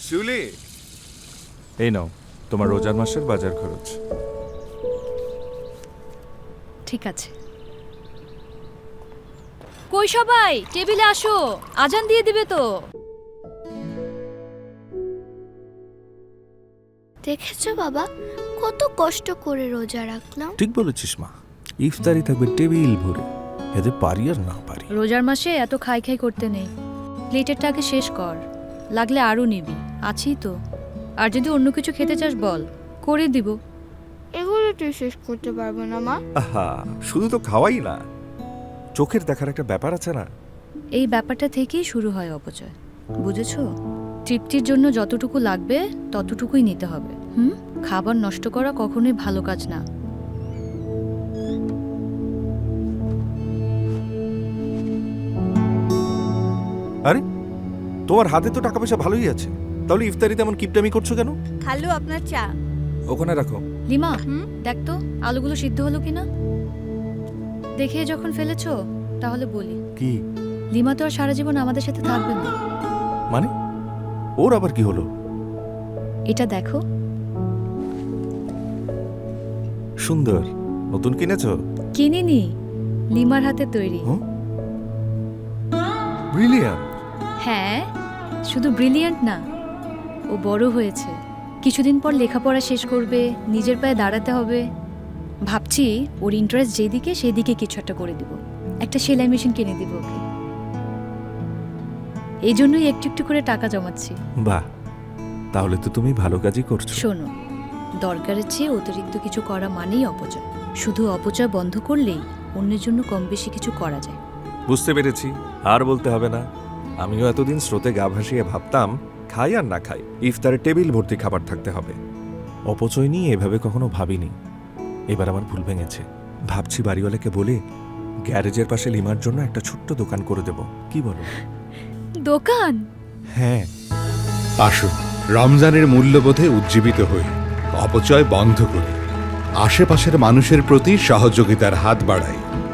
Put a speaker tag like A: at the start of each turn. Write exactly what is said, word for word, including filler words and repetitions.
A: শিউলি,
B: এই নাও তোমার রোজার মাসের বাজার খরচ।
C: ঠিক আছে। কই সবাই, টেবিলে আসো, আজান দিয়ে দিবে তো।
D: দেখেছো বাবা, কত কষ্ট করে রোজা রাখলাম।
B: ঠিক বলেছিস মা, ইফতারি থাকবে টেবিল ভরে, এতে পারি আর না পারি।
C: রোজার মাসে এত খাই খাই করতে নেই, প্লেটেরটা আগে শেষ কর, লাগলে আরও নিবি, আছি তো। আর যদি অন্য কিছু খেতে চাস বল, করে দিব।
D: এগুলো তুই শেষ করতে পারবো না মা।
A: আহা, শুধু তো খাওয়াই না, চোখের দেখার একটা ব্যাপার আছে না?
C: এই ব্যাপারটা থেকেই শুরু হয় অপচয়, বুঝেছো? তৃপ্তির জন্য যতটুকু লাগবে ততটুকুই নিতে হবে। হুম, খাবার নষ্ট করা কখনোই ভালো কাজ না।
A: আরে, তোমার হাতে তো টাকা পয়সা ভালোই আছে, তাহলে ইফতারিতে এমন কিপটামি করছো কেন?
D: খালু, আপনার চা।
A: ওখানে রাখো।
C: লিমা,
D: হুম?
C: দেখ তো আলুগুলো সিদ্ধ হলো কিনা। দেখে যখন ফেলেছো তাহলে বলি,
A: কি
C: লিমা তো আর সারা জীবন আমাদের সাথে থাকবে না।
A: মানে? ওর আবার কি হলো?
C: এটা দেখো।
A: সুন্দর, নতুন কিনেছো?
C: কিনিনি, লিমার হাতে তৈরি।
A: ব্রিলিয়ান্ট।
C: হ্যাঁ, শুধু ব্রিলিয়ান্ট না, ও বড় হয়েছে, কিছুদিন পর লেখাপড়া শেষ করবে, নিজের পায়ে দাঁড়াতে হবে। ভাবছি ওর ইন্টারেস্ট যেদিকে সেদিকে কিছু একটা করে দিব, একটা সেলাই মেশিন কিনে দিব ওকে। এই জন্যই একটু একটু করে টাকা জমাচ্ছি।
A: বাহ, তাহলে তো তুমি ভালো কাজই করছো।
C: শোনো, দরকারের চেয়ে অতিরিক্ত কিছু করা মানেই অপচয়। শুধু অপচয় বন্ধ করলেই অন্যের জন্য কম বেশি কিছু করা যায়।
A: বুঝতে পেরেছি, আর বলতে হবে না। আমিও এতদিন স্রোতে গা ভাসিয়ে ভাবতাম খাই আর না খাই, ইফতারে টেবিল ভর্তি খাবার থাকতে হবে। অপচয় নিয়ে এভাবে কখনো ভাবিনি। এবার আমার ভুল ভেঙেছে। ভাবছি বাড়িওয়ালাকে বলে গ্যারেজের পাশে লিমার জন্য একটা ছোট্ট দোকান করে দেব, কি বলো?
C: দোকান?
A: হ্যাঁ।
E: আসুন রমজানের মূল্যবোধে উজ্জীবিত হই, অপচয় বন্ধ করি, আশেপাশের মানুষের প্রতি সহযোগিতার হাত বাড়াই।